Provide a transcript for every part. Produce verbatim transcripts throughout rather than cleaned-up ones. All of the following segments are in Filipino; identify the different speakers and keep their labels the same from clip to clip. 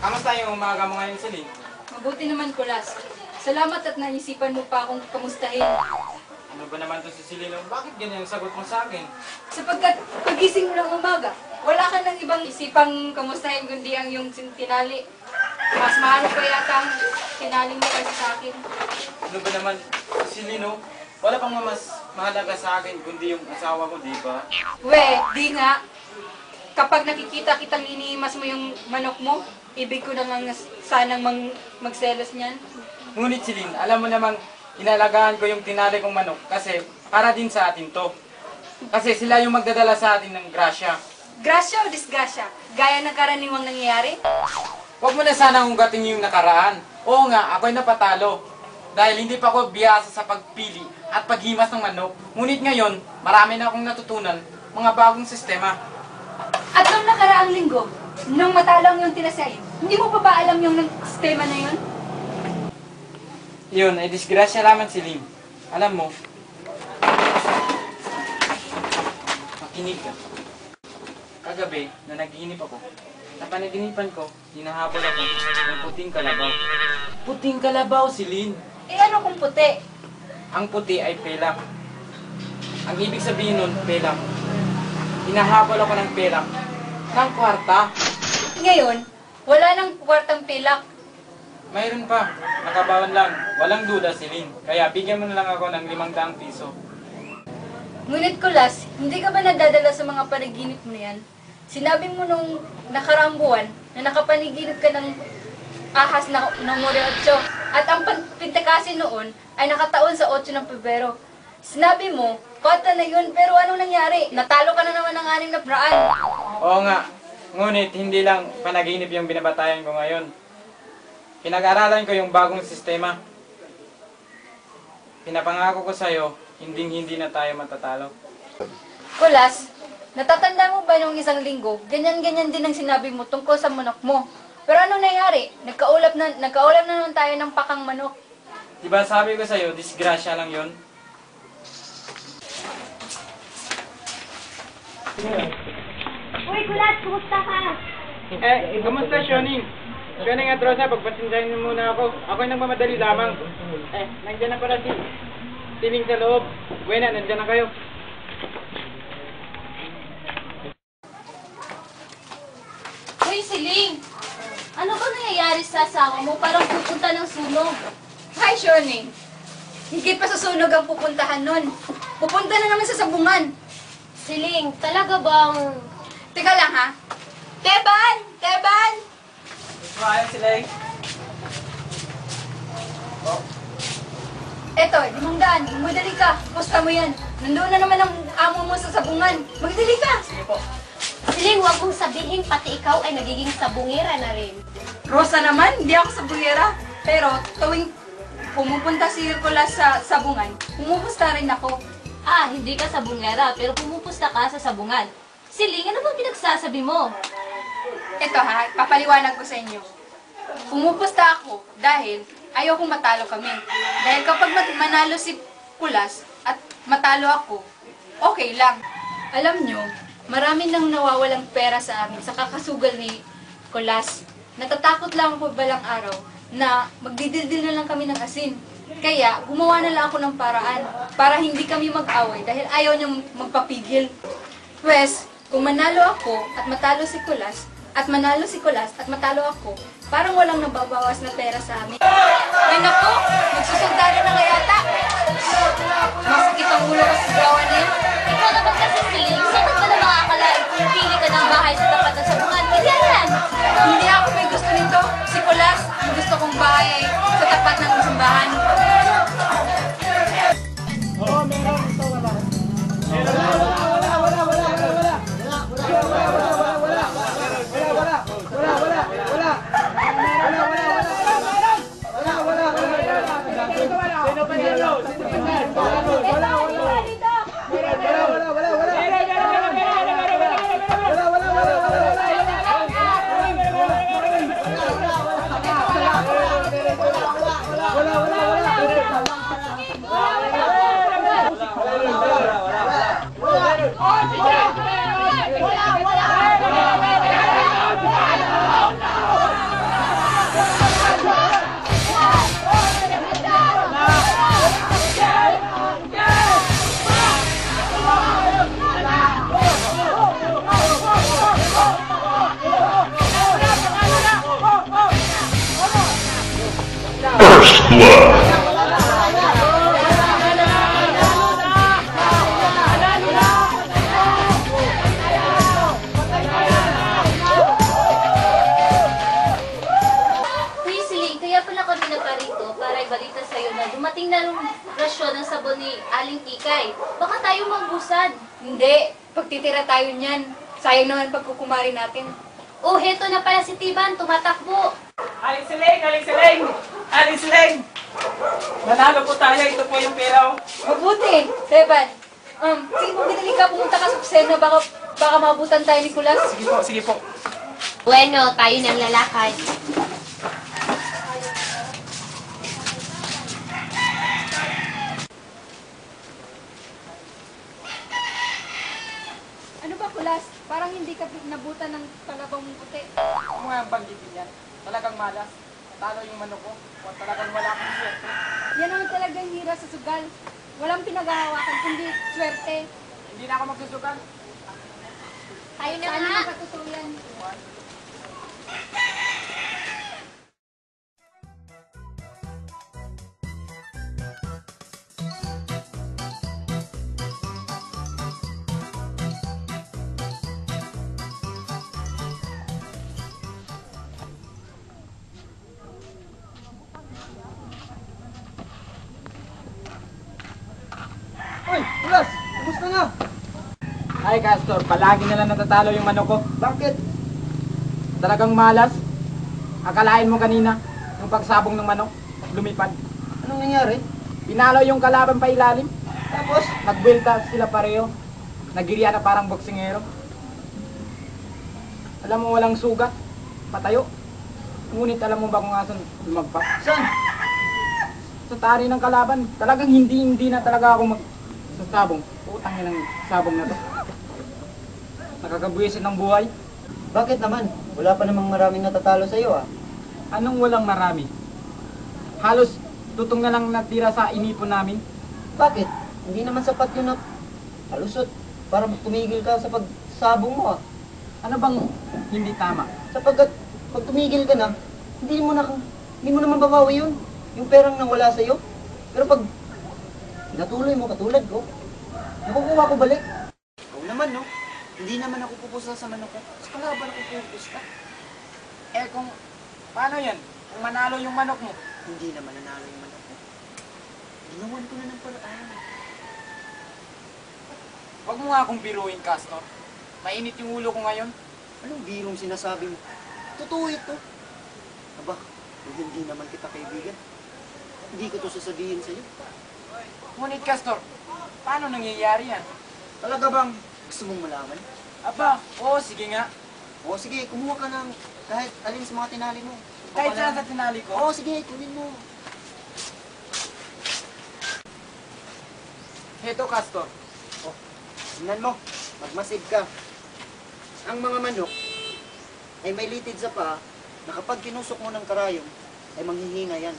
Speaker 1: Kamusta yung umaga mo ngayon, Celine?
Speaker 2: Mabuti naman, Kulas. Salamat at naisipan mo pa akong kamustahin.
Speaker 1: Ano ba naman to si Celine? Bakit ganyan ang sagot mo sa akin?
Speaker 2: Sapagkat pagising mo ng umaga, wala ka ng ibang isipang kamustahin kundi ang iyong tinali. Mas mahalo pa yata ang tinali mo kasi sa akin.
Speaker 1: Ano ba naman, Celine, oh? Wala pang mas mahalaga sa akin kundi yung asawa ko, di ba?
Speaker 2: We, di nga. Kapag nakikita kitang iniimas mo yung manok mo, ibig ko na nga sanang mang magselos niyan.
Speaker 1: Ngunit, Celine, alam mo namang inalagaan ko yung tinali kong manok kasi para din sa atin to. Kasi sila yung magdadala sa atin ng grasya.
Speaker 2: Grasya o disgrasya? Gaya ng karaniwang nangyayari?
Speaker 1: Huwag mo na sana hunggatin yung nakaraan. Oo nga, ako'y napatalo. Dahil hindi pa ako biyasa sa pagpili at paghimas ng manok. Ngunit ngayon, marami na akong natutunan mga bagong sistema.
Speaker 2: At nung nakaraang linggo, nung matalo ang iyong tinasayin, hindi mo pa ba alam yung sistema na yun?
Speaker 1: Yun, ay disgrasya lamang, Celine. Alam mo, makinig ka. Kagabi, na nagiinip ako, sa panaginipan ko, hinahabol ako ng puting kalabaw. Puting kalabaw, Celine.
Speaker 2: Eh ano kung puti?
Speaker 1: Ang puti ay pelak. Ang ibig sabihin nun, pelak. Hinahabol ako ng pelak ng kwarta.
Speaker 2: Ngayon, wala nang kwartang pilak.
Speaker 1: Mayroon pa. Nakabawan lang. Walang duda, Celine. Kaya bigyan mo na lang ako ng limang daang piso.
Speaker 2: Ngunit Kulas, hindi ka ba nadadala sa mga panaginip mo na yan? Sinabi mo nung nakaraang buwan na nakapaniginip ka ng ahas na numero otso at ang pintakasin noon ay nakataon sa otso ng Pebrero. Sinabi mo, kota na yun, pero anong nangyari? Natalo ka na naman ng anim na braan.
Speaker 1: Oo nga. Ngunit hindi lang panaginip yung binabatayan ko ngayon. Pinag-aralan ko yung bagong sistema. Pinapangako ko sa'yo, hinding-hindi na tayo matatalo.
Speaker 2: Kulas, natatanda mo ba nung isang linggo, ganyan-ganyan din ang sinabi mo tungkol sa manok mo. Pero anong nangyari? Nagkaulap na, nagkaulap na naman tayo ng pakang manok.
Speaker 1: Diba sabi ko sa'yo, disgrasya lang yun?
Speaker 3: Uy, Kulas, kumusta ka?
Speaker 1: Eh, kamusta, Shoning? Shoning at Rosa, pagpasinsahin niyo muna ako. Ako'y nagmamadali lamang. Eh, nandiyan na pala si Siling sa loob. Buena, nandiyan na kayo.
Speaker 3: Uy, Siling! Ano ba nangyayari sa asawa mo? Parang pupunta ng sunog.
Speaker 2: Hi, Shoning. Higit pa sa sunog ang pupuntahan nun. Pupunta na naman sa sabungan.
Speaker 3: Siling, talaga bang...
Speaker 2: Teka lang, ha? Teban! Teban!
Speaker 1: Ayun sila eh. Oh.
Speaker 2: Eto, limang daan. Magdali ka. Pusta mo yan. Nandoon na naman ang amo mo sa sabungan. Magdali ka!
Speaker 1: Sige po.
Speaker 3: Siling, huwag mong sabihin pati ikaw ay nagiging sabungera na rin.
Speaker 2: Rosa naman, hindi ako sabungera. Pero tuwing pumupunta si Hercules sa sabungan, pumupusta rin ako.
Speaker 3: Ah, hindi ka sabungera, pero pumupusta ka sa sabungan. Siling, ano bang pinagsasabi mo?
Speaker 2: Ito ha, papaliwanag ko sa inyo. Pumupusta ako dahil ayaw kong matalo kami. Dahil kapag manalo si Kulas at matalo ako, okay lang. Alam nyo, marami nang nawawalang pera sa amin sa kakasugal ni Kulas. Natatakot lang ako balang araw na magdidildil na lang kami ng asin. Kaya gumawa na lang ako ng paraan para hindi kami mag-away dahil ayaw niyang magpapigil. Pwes, kung manalo ako at matalo si Kulas, at manalo si Kulas at matalo ako, parang walang nababawas na pera sa amin. Ay naku, magsusundalo na nga yata. Masakit ang ulo ko sa gawa na yun.
Speaker 3: Ikaw naman kasi, Siling, sino ka na makakalain kung pili ka ng bahay sa tapat ng sabungan? Kaya yan!
Speaker 2: Hindi ako may gusto nito. Si Kulas, ang gusto kong bahay ay sa tapat ng simbahan.
Speaker 1: Oo, meron. Ito wala. Meron. Wala, wala, wala, wala, wala, wala. Wala, wala, wala, wala, wala. Wala, wala. Wala, wala, wala. Wala, wala, wala. Wala, wala, wala. Sino pa yan? Sino pa yan? Wala, wala. Wala, wala, wala, wala.
Speaker 4: blood.
Speaker 3: Kuya Siling, kaya pala kami nagparito para ibalita sa'yo na dumating na yung rasyon ng sabon ni Aling Kikay. Baka tayo magbusan.
Speaker 2: Hindi, pagtitira tayo niyan. Sayang naman pagkukumari natin.
Speaker 3: Oh, heto na pala si Tiban, tumatakbo.
Speaker 1: Aling Siling! Aling Siling! Aling Siling! Nanalo po tayo. Ito po yung pera. oh.
Speaker 2: Mabuti, Teban. Um, sige po, binili ka, pumunta ka sa kusena, baka, baka mabutan tayo ni Kulas.
Speaker 1: Sige po, sige po.
Speaker 3: Bueno, tayo ng lalakad.
Speaker 2: Ano ba, Kulas? Parang hindi ka nabutan ng kalabang puti.
Speaker 1: Ako nga ang banggitin yan. Talagang malas. Talo yung manok ko. O talagang wala akong swerte.
Speaker 2: Yan naman talagang hira sa sugal. Walang pinaghahawakan, kundi swerte.
Speaker 1: Hindi na ako magsusugal.
Speaker 3: Tayo na
Speaker 2: Saan
Speaker 3: nga.
Speaker 2: naman katutuyan?
Speaker 1: Uy! Kulas! Kumusta na? Ay, Castor. Palagi na lang natatalo yung manok ko. Bakit? Talagang malas. Akalain mo kanina, yung pagsabong ng manok, lumipad.
Speaker 5: Anong nangyari?
Speaker 1: Pinalo yung kalaban pa ilalim.
Speaker 5: Tapos,
Speaker 1: Nagbuelta sila pareho. Nagiriya na parang boksingero. Alam mo walang sugat. Patayo. Ngunit alam mo ba kung asan lumagpak?
Speaker 5: saan?
Speaker 1: Sa tari ng kalaban. Talagang hindi hindi na talaga ako mag... sa sabong. Utang niya ng sabong na to. Nakakabuwisit ng buhay.
Speaker 5: Bakit naman? Wala pa namang maraming natatalo sa iyo ah.
Speaker 1: Anong walang marami? Halos tutong na lang natira sa inipon namin.
Speaker 5: Bakit? Hindi naman sapat yun na halusot para tumigil ka sa pagsabong mo ah.
Speaker 1: Ano bang hindi tama?
Speaker 5: Sapagkat pag tumigil ka na, hindi mo na hindi mo naman babawi yun. Yung perang nawala sa iyo. Pero pag natuloy mo katulad ko, nakukuha ko balik. Ikaw naman no? Hindi naman ako pupusta sa manok ko. Sa kalaban ako pupusta.
Speaker 1: Eh kung paano yan? Kung manalo yung manok mo.
Speaker 5: Hindi naman nanalo yung manok ko. Ginawan ko na ng paraan.
Speaker 1: Huwag mo nga akong biruin, Castor. Mainit yung ulo ko ngayon.
Speaker 5: Anong birong sinasabi mo? Totoo ito. Aba, kung hindi naman kita kaibigan, hindi ko to sasabihin sa'yo.
Speaker 1: Ngunit, Castor, paano nangyayari yan?
Speaker 5: Talaga bang gusto mong malaman?
Speaker 1: Aba, oo, sige nga.
Speaker 5: O sige, kumuha ka ng kahit alin sa mga tinali mo.
Speaker 1: Kahit
Speaker 5: Papala-
Speaker 1: saan sa tinali ko.
Speaker 5: Oo, sige, kunin mo.
Speaker 1: Heto, Castor.
Speaker 5: O, tingnan mo, magmasid ka. Ang mga manok ay may litid sa paa na kapag kinusok mo ng karayom, ay manghihina yan.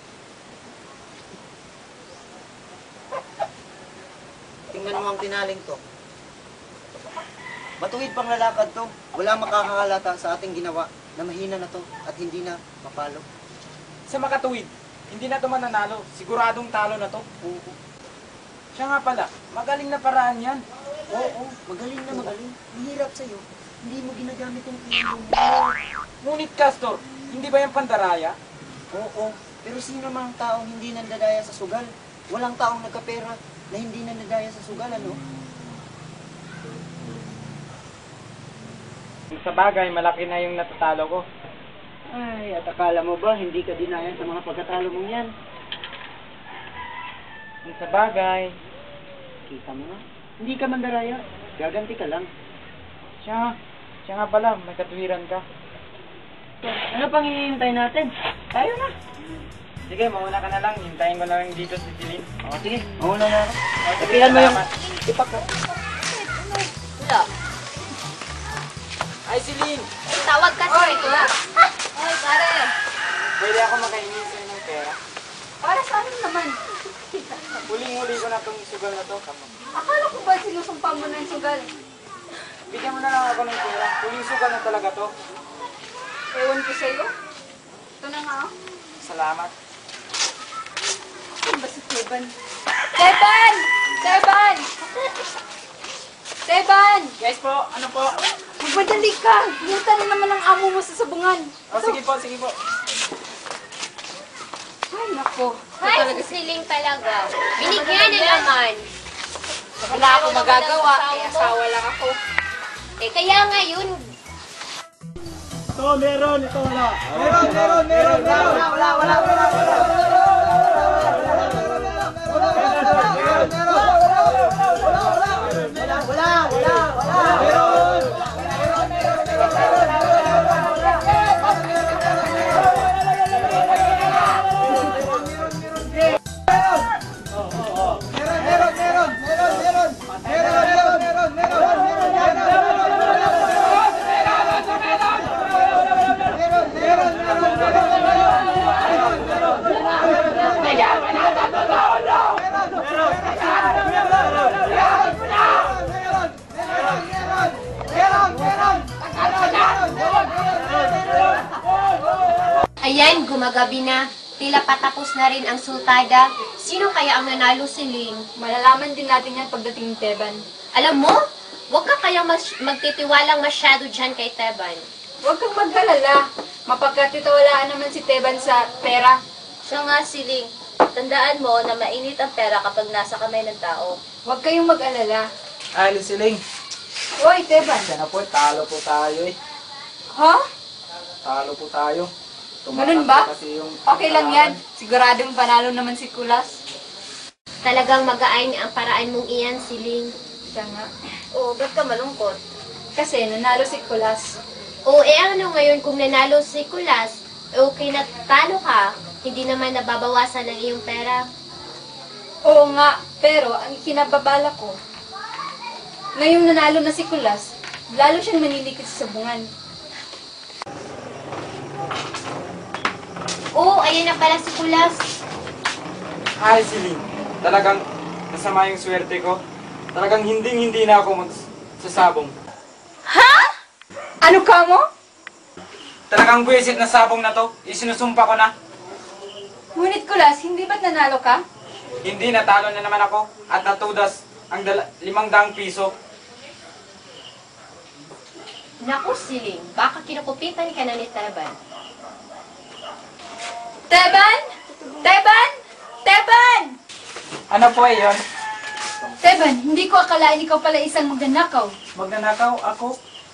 Speaker 5: Tingnan mo ang tinaling to. Matuwid pang lalakad to. Wala makakahalata sa ating ginawa na mahina na to at hindi na mapalo.
Speaker 1: Sa makatuwid, hindi na to mananalo. Siguradong talo na to.
Speaker 5: Oo,
Speaker 1: Siya nga pala, magaling na paraan yan.
Speaker 5: oo, magaling na magaling. Mahirap sa'yo. Hindi mo ginagamit yung ilong mo.
Speaker 1: Ngunit, Castor, hindi ba yung pandaraya?
Speaker 5: Oo, pero sino mang taong hindi nandadaya sa sugal? Walang taong nagkapera na hindi nandadaya sa sugal, ano?
Speaker 1: Sa bagay, malaki na yung natatalo ko.
Speaker 5: Ay, at akala mo ba hindi ka dinaya sa mga pagkatalo mong yan?
Speaker 1: Sa bagay,
Speaker 5: Kita mo nga. Hindi ka mandaraya. Gaganti ka lang.
Speaker 1: siya, siya nga pala, may katuwiran ka.
Speaker 5: Ano pang hihintay natin? Tayo na.
Speaker 1: Sige, mauna ka na lang. Hintayin ko na lang dito si Celine.
Speaker 5: O, sige. Mauna na ako.
Speaker 1: O, sige,
Speaker 5: Sabihan mo yung
Speaker 1: salamat.
Speaker 5: ipak ko.
Speaker 3: Wala.
Speaker 1: Ay, Celine!
Speaker 3: Tawag kasi
Speaker 2: Oy,
Speaker 3: ito.
Speaker 2: Kulas.
Speaker 3: Ay, pare.
Speaker 1: Pwede ako makahingi sa'yo ng pera.
Speaker 2: Para sa akin naman.
Speaker 1: Huling-huli ko na itong sugal na to.
Speaker 2: Akala ko ba sinusumpa mo na yung sugal?
Speaker 1: Bigyan mo na lang ako ng pera. Huling sugal na talaga to.
Speaker 2: Ewan ko sa'yo. Ito na nga, oh.
Speaker 1: Salamat.
Speaker 2: Ano ba si Teban? Teban! Teban! Teban!
Speaker 1: Yes po, ano po?
Speaker 2: Magmadali ka! Hinta na naman ang amo mo sa sabungan.
Speaker 1: Oh, sige po, sige po.
Speaker 2: Ay, nako.
Speaker 3: Ay, siling talaga. Binigyan na naman.
Speaker 2: Wala ako magagawa. Eh, asawa lang ako.
Speaker 3: Eh, kaya ngayon,
Speaker 1: Ito, meron, ito wala.
Speaker 5: Meron, meron, meron, meron. Wala, wala, wala, wala.
Speaker 3: ayan, gumagabi na. Tila patapos na rin ang sultada. Sino kaya ang nanalo, Siling?
Speaker 2: Malalaman din natin yan pagdating ng Teban.
Speaker 3: Alam mo, huwag ka kayang mas- magtitiwalang masyado dyan kay Teban.
Speaker 2: Huwag kang magkalala. Mapagkatitawalaan naman si Teban sa pera.
Speaker 3: Siya nga, Siling. Tandaan mo na mainit ang pera kapag nasa kamay ng tao.
Speaker 2: Huwag kayong mag-alala.
Speaker 1: Ay, Siling.
Speaker 2: Hoy, Teban.
Speaker 1: Sana po, talo po tayo eh.
Speaker 2: Ha?
Speaker 1: Talo po tayo.
Speaker 2: Ganun ba?
Speaker 1: Kasi yung
Speaker 2: Okay lang yan. Siguradong panalo naman si Kulas.
Speaker 3: Talagang mag-aay ang paraan mong iyan, Siling.
Speaker 2: Siya nga.
Speaker 3: Oo, ba't ka malungkot?
Speaker 2: Kasi nanalo si Kulas.
Speaker 3: Oo, eh ano ngayon kung nanalo si Kulas, okay na talo ka, hindi naman nababawasan ang iyong pera.
Speaker 2: Oo nga, pero ang kinababala ko, ngayong nanalo na si Kulas, lalo siyang manilikit sa sabungan.
Speaker 3: Oo, ayan na pala si Kulas.
Speaker 4: Ay, Siling. Talagang nasama yung swerte ko. Talagang hinding-hindi na ako magsasabong.
Speaker 2: Ano ka mo?
Speaker 4: Talagang buwisit na sabong na to. Isinusumpa ko na.
Speaker 2: Ngunit Kulas, hindi ba't nanalo ka?
Speaker 4: Hindi, natalo na naman ako. At natudas ang dala- limang daang piso.
Speaker 3: Naku, Siling, baka kinukupitan ka na ni Teban.
Speaker 2: Teban! Teban! Teban!
Speaker 1: Ano po eh yun?
Speaker 2: Teban, hindi ko akalain ikaw pala isang magnanakaw.
Speaker 1: Magnanakaw ako?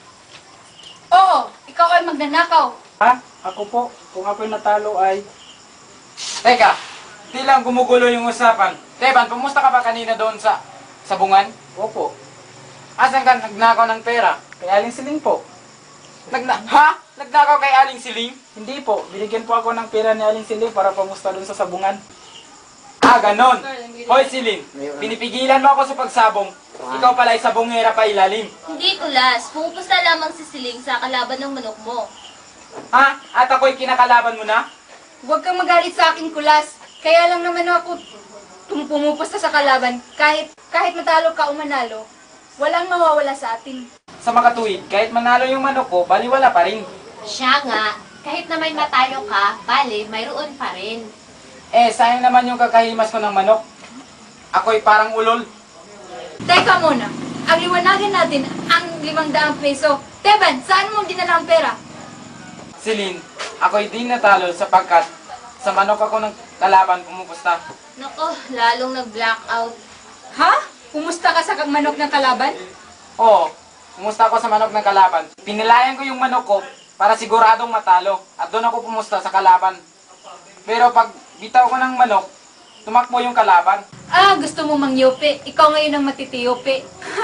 Speaker 2: Oo, ikaw ay magnanakaw.
Speaker 1: Ha? Ako po. Kung ako'y natalo ay...
Speaker 4: Teka, di lang gumugulo yung usapan. Teban, pumusta ka ba kanina doon sa sabungan?
Speaker 1: Opo.
Speaker 4: Asan ka nagnakaw ng pera?
Speaker 1: Kay Aling Siling po.
Speaker 4: Nagna ha? Nagnakaw kay Aling Siling?
Speaker 1: Hindi po. Binigyan po ako ng pera ni Aling Siling para pamusta doon sa sabungan.
Speaker 4: Ah, ganon. Hoy, Siling, pinipigilan mo ako sa pagsabong. Ikaw pala ay sabongera pa ilalim.
Speaker 3: Hindi, Kulas. Pumupusta lamang si Siling sa kalaban ng manok mo.
Speaker 4: Ha? At ako'y kinakalaban mo na?
Speaker 2: Huwag kang magalit sa akin, Kulas. Kaya lang naman ako tum- pumupusta sa kalaban. Kahit kahit matalo ka o manalo, walang mawawala sa atin.
Speaker 4: Sa makatuwid, kahit manalo yung manok ko, baliwala pa rin.
Speaker 3: Siya nga, kahit na may matalo ka, bale, mayroon pa rin.
Speaker 4: Eh, sayang naman yung kakahimas ko ng manok. Ako'y parang ulol.
Speaker 2: Teka muna, ang liwanagan natin ang limang daang peso. Teban, saan mo dinala ang pera?
Speaker 4: Silin, ako'y di natalo sapagkat sa manok ako ng kalaban pumupusta.
Speaker 3: Nako, lalong nag-blackout.
Speaker 2: Ha? Kumusta ka sa kang manok ng kalaban?
Speaker 4: Oo, pumusta ako sa manok ng kalaban. Pinilayan ko yung manok ko para siguradong matalo at doon ako pumusta sa kalaban. Pero pag bitaw ko ng manok, tumakbo yung kalaban.
Speaker 2: Ah, gusto mo mangyope. Ikaw ngayon ang matitiyope.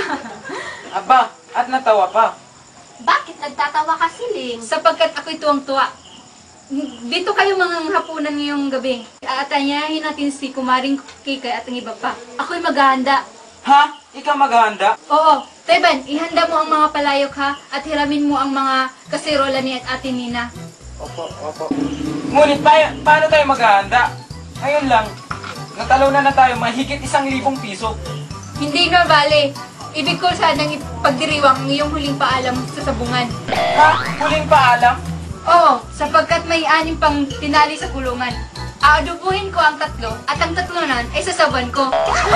Speaker 4: Aba, at natawa pa.
Speaker 3: Bakit nagtatawa ka, Siling?
Speaker 2: Sapagkat ako'y tuwang-tuwa. Dito kayo mga hapunan ngayong gabi. Aatanyahin natin si Kumaring Kikay at ang iba pa. Ako'y maghahanda.
Speaker 4: Ha? Ikaw maghahanda?
Speaker 2: Oo, Teban, ihanda mo ang mga palayok ha at hiramin mo ang mga kaserola ni at Ate Nina.
Speaker 4: Opo, opo. Ngunit pa paano tayo maghahanda? Ngayon lang, natalunan na tayo mahigit isang libong piso.
Speaker 2: Hindi na bale. Ibig ko sanang ipagdiriwang ang iyong huling paalam sa sabungan.
Speaker 4: Ha? Huling paalam?
Speaker 2: Oo, sapagkat may anim pang tinali sa kulungan. Aadubuhin ko ang tatlo at ang tatlunan ay sasaban ko.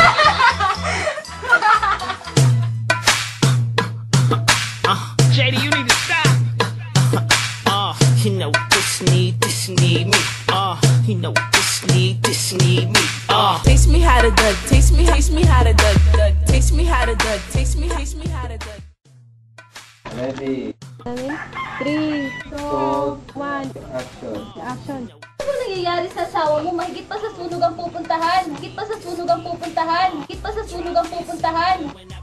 Speaker 6: J D, you need to stop. Uh, you know this need, this need me. Uh, you know this need, this need me. Uh,
Speaker 7: Taste me how to dud, taste me, taste me how to dud, dud, taste me how to dud, taste me, taste me how to dud.
Speaker 1: Ready,
Speaker 8: three, two, one,
Speaker 1: action.
Speaker 8: action.
Speaker 3: Ano nangyayari sa asawa mo? Mahigit pa sa sunog ang pupuntahan. Mahigit pa sa sunog ang pupuntahan. Mahigit pa sa sunog ang pupuntahan.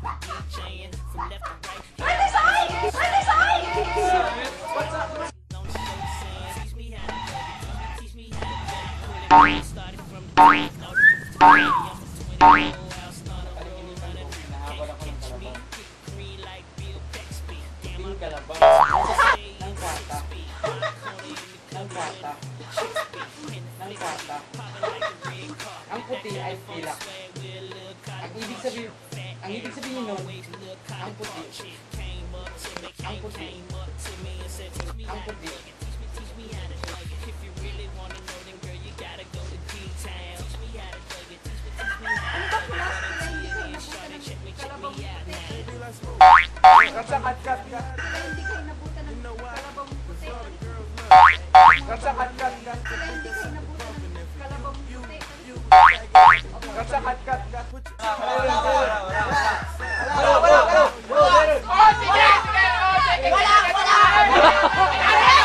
Speaker 4: Yung kalabaw. Ng kata. Ng kata. Ng kata. Ang puti ay pilak. Ang ibig sabihin, ang ibig sabihin nun, ang puti. Ang puti. Ang puti.
Speaker 1: Katsa, kat, kat, kat.
Speaker 2: Hindi kayo nabutan ng kalabang puti.
Speaker 1: Katsa, kat, kat, kat.
Speaker 2: Hindi kayo nabutan ng kalabang puti.
Speaker 1: Katsa, kat, kat, kat. Wala, wala, wala. Wala, wala, wala.
Speaker 2: Oh, sige! Sige! Oh, sige! Wala! Wala!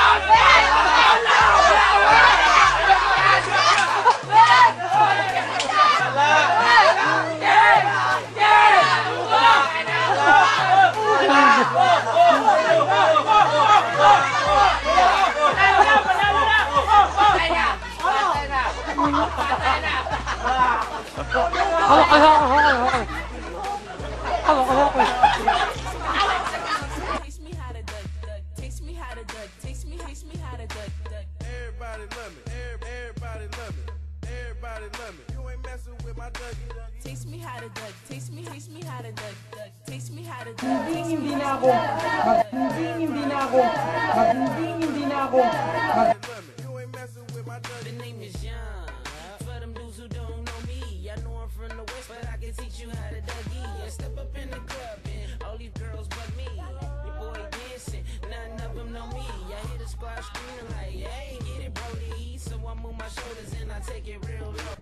Speaker 7: Taste me how to dud, dud, taste me how to dud, taste me, taste me how to dud, dud.
Speaker 9: Everybody love me. Every- Everybody love me. Everybody love me. You ain't messing with my Dougie.
Speaker 7: Taste me how to dud, taste me, taste me how to dud, dud, taste me how to dud,
Speaker 1: Hindi,
Speaker 7: taste me.
Speaker 1: hindi na ako. Mag, hindi, hindi na ako. Mag, hindi, hindi na ako. Mag,
Speaker 9: Love me. You ain't messing with my Dougie.
Speaker 6: The name is John. For them dudes who don't know me, I know I'm from the west, but I can teach you how to Dougie. I step up in the club and all these girls but me. Your boy dancing, none of them know me. I hear the squad screaming like, hey, get it, Brody. So I move my shoulders and I take it real low.